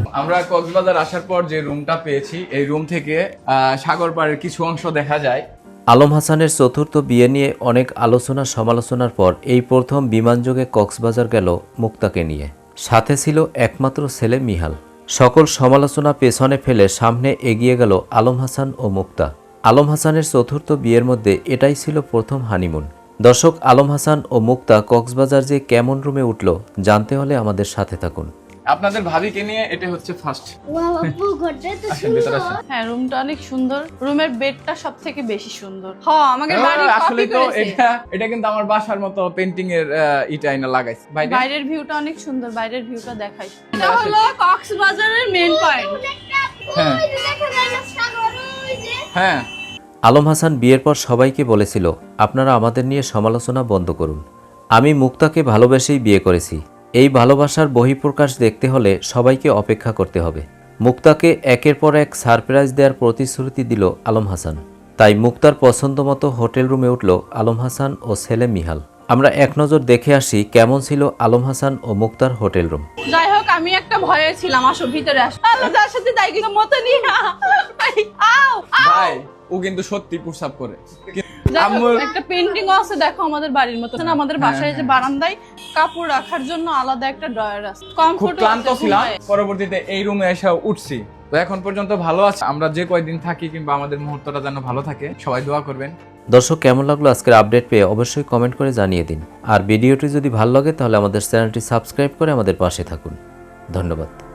আমরা কক্সবাজার আসার পর যে রুমটা পেয়েছি এই রুম থেকে সাগর পাড়ের কিছু অংশ দেখা যায়। আলম হাসানের চতুর্থ বিয়ে নিয়ে অনেক আলোচনা সমালোচনার পর এই প্রথম বিমানযোগে কক্সবাজার গেল মুক্তাকে নিয়ে। সাথে ছিল একমাত্র ছেলে মিহাল। সকল সমালোচনা পেছনে ফেলে সামনে এগিয়ে গেল আলম হাসান ও মুক্তা। আলম হাসানের চতুর্থ বিয়ের মধ্যে এটাই ছিল প্রথম হানিমুন। দর্শক, আলম হাসান ও মুক্তা কক্সবাজার যে কেমন রুমে উঠল জানতে হলে আমাদের সাথে থাকুন। আপনাদের ভাবিকে নিয়ে এটা হচ্ছে ফার্স্ট। হ্যাঁ, রুমটা অনেক সুন্দর। রুমের বেডটা সবথেকে বেশি সুন্দর। আমাদের বাড়ি আসলে কপি তো করেছে। এটা কিন্তু আমার বাসার মতো পেইন্টিং এর ইটা আইনা লাগাইছে। বাইরের ভিউটা অনেক সুন্দর। বাইরের ভিউটা দেখাই। এটা হলো কক্সবাজারের মেইন পয়েন্ট। হ্যাঁ হ্যাঁ। আলম হাসান বিয়ের পর সবাইকে বলেছিল, আপনারা আমাদের নিয়ে সমালোচনা বন্ধ করুন। আমি মুক্তাকে ভালোবেসেই বিয়ে করেছি। এই ভালোবাসার বহিঃপ্রকাশ দেখতে হলে সবাইকে অপেক্ষা করতে হবে। মুক্তাকে একের পর এক সারপ্রাইজ দেওয়ার প্রতিশ্রুতি দিল আলম হাসান। তাই মুক্তার পছন্দ মতো হোটেল রুমে উঠল আলম হাসান ও ছেলে মিহাল। আমরা এক নজর দেখে আসি কেমন ছিল আলম হাসান ও মুক্তার হোটেল রুম। যাই হোক, আমি একটা ভয়ে ছিলাম। আসো ভিতরে আসো। যার সাথে যাই কিন্তু মতো নিয়ে ভাই ও কিন্তু সত্যি প্রসাব করে। একটা পেইন্টিং আছে দেখো আমাদের বাড়ির মতো। আমাদের বাসায় যে বারান্দায় কাপড় রাখার জন্য আলাদা একটা ড্রয়ার আছে। খুব ক্লান্ত ছিলাম, পরবর্তীতে এই রুমে এসে উঠছি। তো এখন পর্যন্ত ভালো আছে। আমরা যে কয়দিন থাকি কিংবা আমাদের মুহূর্তটা যেন ভালো থাকে, সবাই দোয়া করবেন। দর্শক, কেমন লাগলো আজকের আপডেট পেয়ে অবশ্যই কমেন্ট করে জানিয়ে দিন। আর ভিডিওটি যদি ভালো লাগে তাহলে আমাদের চ্যানেলটি সাবস্ক্রাইব করে আমাদের পাশে থাকুন। ধন্যবাদ।